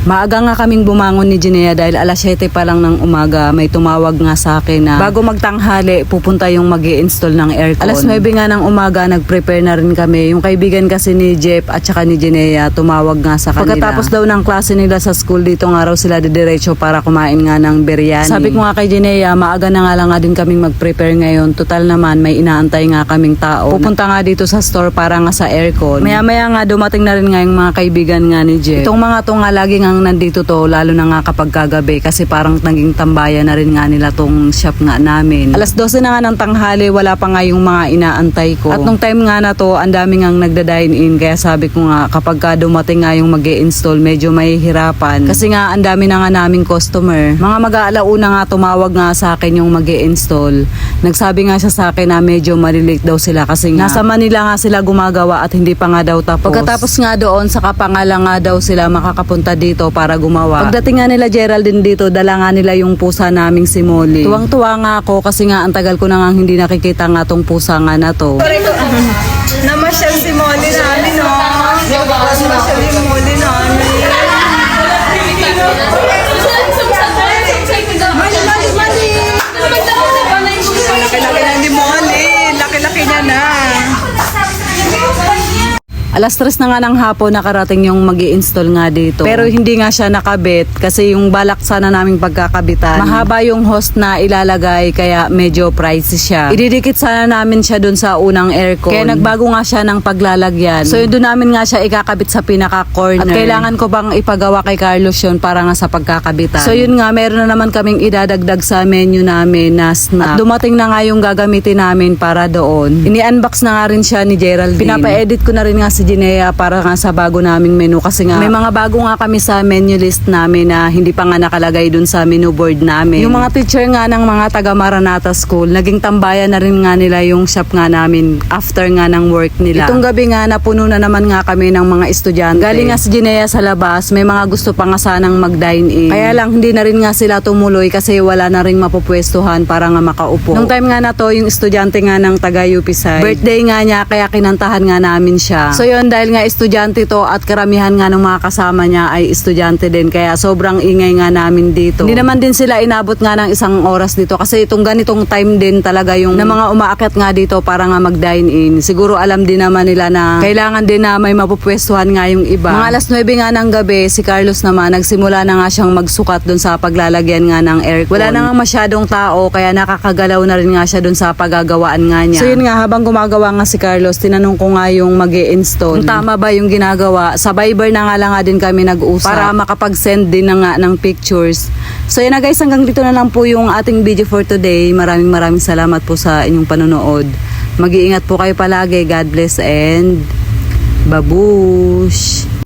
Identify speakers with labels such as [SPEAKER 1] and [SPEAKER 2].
[SPEAKER 1] Maaga nga kaming bumangon ni Jinea dahil alas 7 pa lang ng umaga may tumawag nga sa akin na bago magtanghali pupunta yung mag-i-install ng aircon. Alas 9 nga ng umaga nag-prepare na rin kami. Yung kaibigan kasi ni Jeff at saka ni Jinea tumawag nga sa kanila. Pagkatapos daw ng klase nila sa school dito nga raw sila didiretso para kumain nga ng biryani. Sabi ko nga kay Jinea, maaga na nga lang nga din kaming mag-prepare ngayon. Total naman may inaantay nga kaming tao. Pupunta nga dito sa store para nga sa aircon. Maya-maya nga dumating na rin nga yung mga kaibigan nga ni Jeff. Itong mga to nga lagi nga nandito to, lalo na nga kapag kagabi kasi parang naging tambayan na rin nga nila tong shop nga namin. Alas 12 na nga ng tanghali, wala pa nga yung mga inaantay ko. At nung time nga na to, ang dami nga nagda-dine in, kaya sabi ko nga kapag ka dumating nga yung mag-i-install, medyo may hirapan. Kasi nga ang dami na nga naming customer. Mga mag-aalauna nga tumawag nga sa akin yung mag-i-install. Nagsabi nga siya sa akin na medyo malilate daw sila kasi nga nasa Manila nga sila gumagawa at hindi pa nga daw tapos. Pagkatapos nga doon, saka pa nga lang nga daw sila makakapunta dito para gumawa. Pagdating nga nila Geraldine dito, dala nga nila yung pusa naming si Molly. Tuwang-tuwa nga ako kasi nga ang tagal ko na nga hindi nakikita nga tong pusa nga na to.
[SPEAKER 2] Namasyal si Molly namin, no? Namasyal yung Molly namin. Laki-laki na ni Molly. Laki-laki niya na.
[SPEAKER 1] Alas 3 na nga ng hapon nakarating yung mag-i-install nga dito. Pero hindi nga siya nakabit kasi yung balak sana naming pagkakabitan. Mahaba yung host na ilalagay kaya medyo pricey siya. Ididikit sana namin siya dun sa unang aircon. Kaya nagbago nga siya ng paglalagyan. So yun dun namin nga siya ikakabit sa pinaka-corner. At kailangan ko bang ipagawa kay Carlos yun para nga sa pagkakabitan. So yun nga, meron na naman kaming idadagdag sa menu namin na snack. At dumating na nga yung gagamitin namin para doon. Ini-unbox na nga rin siya ni Geraldine. Pinapa-edit ko na rin nga si Jinea para nga sa bago naming menu kasi nga may mga bago nga kami sa menu list namin na hindi pa nga nakalagay dun sa menu board namin. Yung mga teacher nga ng mga taga Maranata School, naging tambayan na rin nga nila yung shop nga namin after nga ng work nila. Itong gabi nga napuno na naman nga kami ng mga estudyante. Galing nga si Jinea sa labas, may mga gusto pa nga sanang mag-dine in. Kaya lang hindi na rin nga sila tumuloy kasi wala na rin mapupwestuhan para nga makaupo. Nung time nga na to, yung estudyante nga ng taga UPSI, birthday nga niya kaya kinantahan nga namin siya. So yun, dahil nga estudyante to at karamihan nga ng mga kasama niya ay estudyante din kaya sobrang ingay nga namin dito. Hindi naman din sila inabot nga ng isang oras dito kasi itong ganitong time din talaga yung na mga umaakyat nga dito para nga mag-dine in. Siguro alam din naman nila na kailangan din na may mapupwestuhan nga yung iba. Mga alas 9 nga ng gabi, si Carlos naman nagsimula na nga siyang magsukat dun sa paglalagyan nga ng aircon. Wala na nga masyadong tao kaya nakakagalaw na rin nga siya dun sa paggagawaan nga niya. So yun nga, habang gumagawa nga si Carlos, tinanong ko nga yung mag-i-install. Tama ba yung ginagawa? Sa Viber na nga lang nga din kami nag-usap para makapag-send din na nga ng pictures. So yun na guys, hanggang dito na lang po yung ating video for today. Maraming salamat po sa inyong panonood. Mag-iingat po kayo palagi. God bless and babush!